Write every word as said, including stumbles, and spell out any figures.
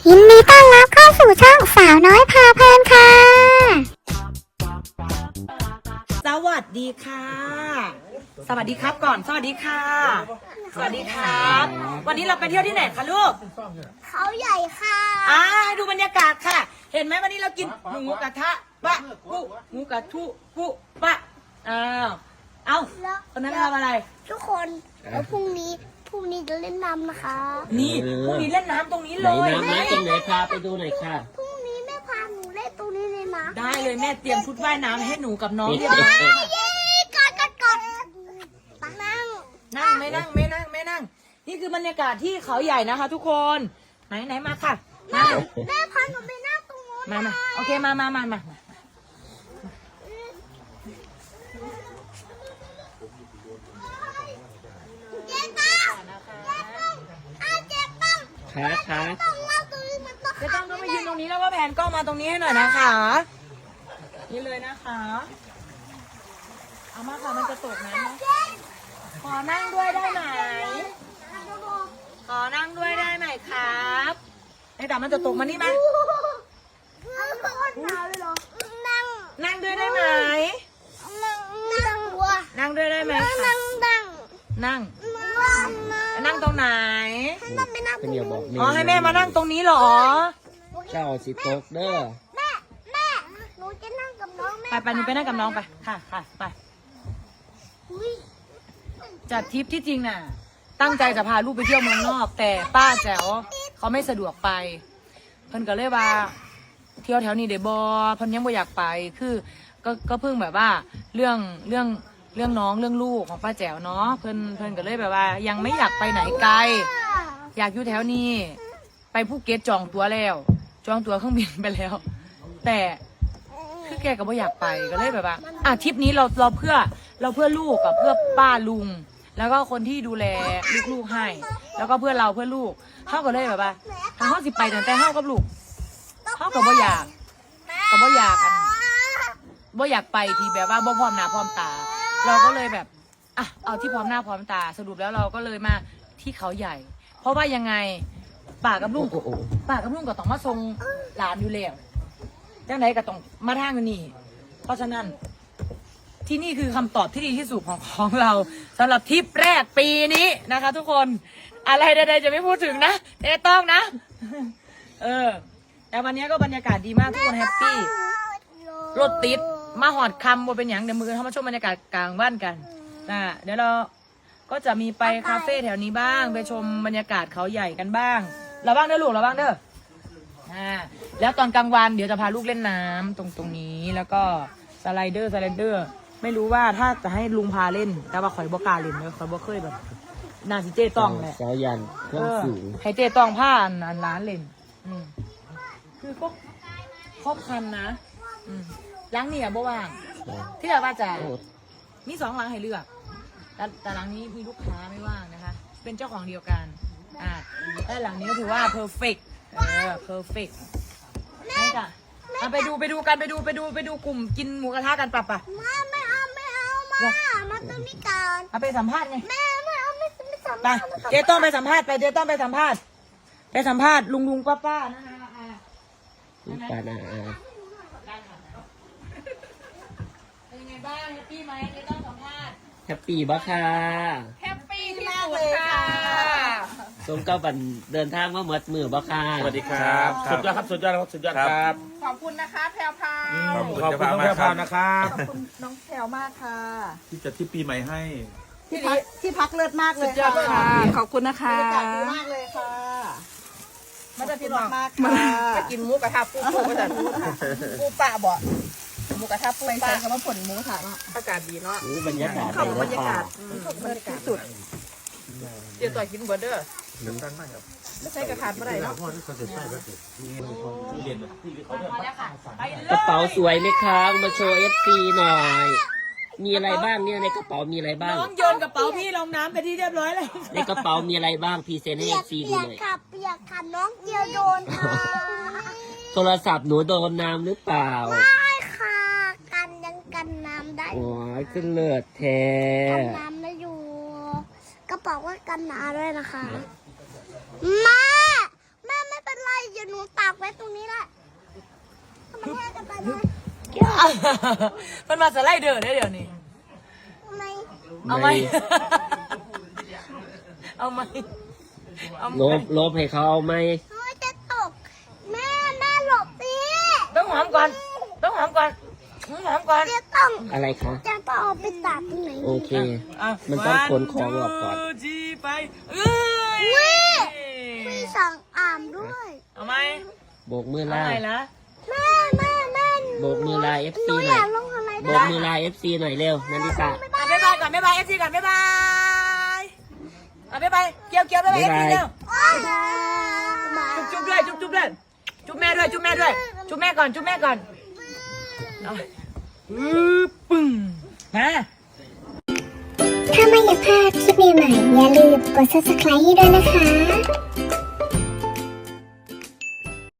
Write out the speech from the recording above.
ยินดีต้อนรับเข้าสู่ช่องสาวน้อยพาเพลินค่ะสวัสดีค่ะสวัสดีครับก่อนสวัสดีค่ะสวัสดีครับวันนี้เราไปเที่ยวที่ไหนคะลูกเขาใหญ่ค่ะอ่าดูบรรยากาศค่ะเห็นไหมวันนี้เรากินหมูกระทะปะปุ๊หมูกระทุปุ๊ปะอ้าวเอ้าคนนั้นทำอะไรทุกคนแล้วพรุ่งนี้พรุ่งนี้จะเล่นน้ำนะคะนี่พรุ่งนี้เล่นน้ำตรงนี้เลยน้ำน้ำตรงไหนพาไปดูหน่อยค่ะพรุ่งนี้แม่พาหนูเล่นตรงนี้เลยนะได้เลยแม่เตรียมชุดว่ายน้ำให้หนูกับน้องเรียบร้อยเย้กอดกอดกอดนั่งนั่งไม่นั่งไม่นั่งไม่นั่งนี่คือบรรยากาศที่เขาใหญ่นะคะทุกคนไหนไหนมาค่ะมาแม่พาหนูไปนั่งตรงนู้นมามาโอเคมามามามาขาขาเจะต้องก็มายืนตรงนี้แล้วก็แผนกล้องมาตรงนี้ให้หน่อยนะคะนี่เลยนะคะเอามาค่ะมันจะตกน้ำนะขอนั่งด้วยได้ไหมขอนั่งด้วยได้ไหมครับไอ้ดามันจะตกมานี่มั้ยนั่งนั่งด้วยได้ไหมนั่งวัวนั่งด้วยได้ไหมนั่งนั่งนั่งนั่งตรงไหนนั่งไปนั่งตรงนี้อ๋อให้แม่มานั่งตรงนี้เหรอเจ้าสิตกเด้อแม่แม่หนูจะนั่งกับน้องแม่ไปไปหนูไปนั่งกับน้องไปค่ะค่ะไปจัดทริปที่จริงน่ะตั้งใจจะพาลูกไปเที่ยวเมืองนอกแต่ป้าแจ๋วเขาไม่สะดวกไปเพิ่นก็เลยว่าเที่ยวแถวนี้เดบอเพิ่นยังไม่อยากไปคือก็ก็เพิ่งแบบว่าเรื่องเรื่องเรื่องน้องเรื่องลูกของป้าแจ๋วเนาะเพิ่นเพิ่นก็เลยแบบว่า ยังไม่อยากไปไหนไกลอยากอยู่แถวนี้ไปภูเก็ตจองตั๋วแล้วจองตั๋วเครื่องบินไปแล้วแต่คือแกก็ไม่อยากไปก็เลยแบบว่าอ่ะทริปนี้เราเราเพื่อเราเพื่อลูกกับเพื่อป้าลุงแล้วก็คนที่ดูแลลูกๆให้แล้วก็เพื่อเราเพื่อลูกเขาก็เลยแบบว่าทางเขาสิไปแต่แต่เขากับลูกเขาก็บ่อยากก็บ่อยากกันบ่อยากไปที่แบบว่าบ่พร้อมหน้าพร้อมตาเราก็เลยแบบอ่ะเอาที่พร้อมหน้าพร้อมตาสรุปแล้วเราก็เลยมาที่เขาใหญ่เพราะว่ายังไงป่ากับลุงป่ากับลุงก็ต้องมาส่งหลานอยู่แล้วจังไหนก็ต้องมาทางนี้เพราะฉะนั้นที่นี่คือคำตอบที่ดีที่สุดของของเราสำหรับทริปแรกปีนี้นะคะทุกคนอะไรใดๆจะไม่พูดถึงนะเต้ต้องนะเออแต่วันนี้ก็บรรยากาศดีมากทุกคนแฮปปี้รถติดมาหอดคำว่าเป็นอย่างเดี๋ยวมือเข้ามาชมบรรยากาศกลางบ้านกันนะเดี๋ยวเราก็จะมีไปคาเฟ่แถวนี้บ้างไปชมบรรยากาศเขาใหญ่กันบ้างเราบ้างเด้อลูกเราบ้างเด้ออ่าแล้วตอนกลางวันเดี๋ยวจะพาลูกเล่นน้ำตรงตรงนี้แล้วก็สไลเดอร์สไลเดอร์ไม่รู้ว่าถ้าจะให้ลุงพาเล่นแต่ว่าข่อยบ่กล้าเล่นเลยข่อยบ่เคยแบบนาสิเจต้องแหละสาวยันเครื่องสูงให้เจต้องผ้าอันร้านเล่นอืมคือก็ครอบคันนะอืมล้างนี่อ่ะบ่ว่างที่เราว่าจะมีสองหลังให้เลือกแต่แต่หลังนี้มีลูกค้าไม่ว่างนะคะเป็นเจ้าของเดียวกันอ่าแต่หลังนี้ก็ถือว่า perfect เออ perfect นี่จ้ะเอาไปดูไปดูกันไปดูไปดูไปดูกลุ่มกินหมูกระทะกันปะปะมาไม่เอาไม่เอามามาตรงนี้ก่อนเอาไปสัมภาษณ์ไงแม่ไม่เอาไม่ไม่สัมไปภาษณ์เจ๊ต้องไปสัมภาษณ์ไปเจ๊ต้องไปสัมภาษณ์ไปสัมภาษณ์ลุงลุงป้าป้านะคะลุงป้านาอาเป็นยังไงบ้างแฮปปี้ไหมเจ๊ต้องสัมภาษณ์แฮปปี้บ่ค่ะแฮปปี้มากเลยค่ะสมกับวันเดินทางมาหมดมือบ่ค่ะสวัสดีครับสุดยอดครับสุดยอดครับสุดยอดครับขอบคุณนะคะแพรวพาขอบคุณน้องแพรวพานะครับขอบคุณน้องแพรวมากค่ะที่จะที่ปีใหม่ให้ที่พักที่พักเลิศมากเลยค่ะขอบคุณนะคะบรรยากาศดีมากเลยค่ะมาจะพี่บอกมากค่ะไปกินหมูกระทะปูปูกระทะปูปลาบ่หมูกระทะปูปลาคำว่าผลหมูกระทะเนาะอากาศดีเนาะบรรยากาศขอบบรรยากาศบรรยากาศสุดเดี๋ยวต่อยกินเบอร์เดอร์ไม่ใช่กระทานเมื่อไหร่เนาะกระเป๋าสวยไหมครับมาโชว์เอฟซีหน่อยมีอะไรบ้างเนี่ยในกระเป๋ามีอะไรบ้างน้องโยนกระเป๋าพี่ลงน้ำไปที่เรียบร้อยเลยในกระเป๋ามีอะไรบ้างพรีเซนต์ให้เอฟซีดูหน่อยเปียกค่ะเปียกค่ะน้องเดียวโดนค่ะโทรศัพท์หนูโดนน้ำหรือเปล่าไม่ค่ะกันยังกันน้ำได้โอ้ยขึ้นเลือดแท้กันน้ำได้อยู่กระเป๋าก็กันน้ำด้วยนะคะแม่แม่ไม่เป็นไรอย่าหนูมันมาสไลเดอร์ได้เดี๋ยวนี้ไม่เอาไหมเอาไหมเอาไหมลบลบให้เขาเอาไหมไม่จะตกแม่แม่หลบสิต้องหอมก่อนต้องหอมก่อนหอมก่อนจะต้องอะไรคะจะต้องเอาไปตากตรงไหนโอเคอ่ะมันต้องขนของออกก่อนวัน ทู จีไปเอ้ยมีสองอ่ามด้วยเอาไหมโบกมือเอาลาไหมล่ะแม่แม่แม่โบกมือลาเอฟหซีนูหอน่อยยากลงอะไรโบได้กมือลาเอฟซีหน่อยเร็วนันทิตาอ่ะบ๊ายบายก่อนบ๊ายบายเอฟซีก่อนบ๊ายบายอ่ะบ๊ายบายเกี่ยวเกี่ยวบ๊ายบายเอฟซีเร็ว จุ๊บจุ๊บด้วยจุ๊บจุ๊บด้วยจุ๊บแม่ด้วยจุ๊บแม่ด้วยจุ๊บแม่ก่อนจุ๊บแม่ก่อนเอาปึ๊บปึ้งมาถ้าไม่อยากพลาดคลิปใหม่ๆอย่าลืมกด ซับสไครบ์ ให้ด้วยนะคะ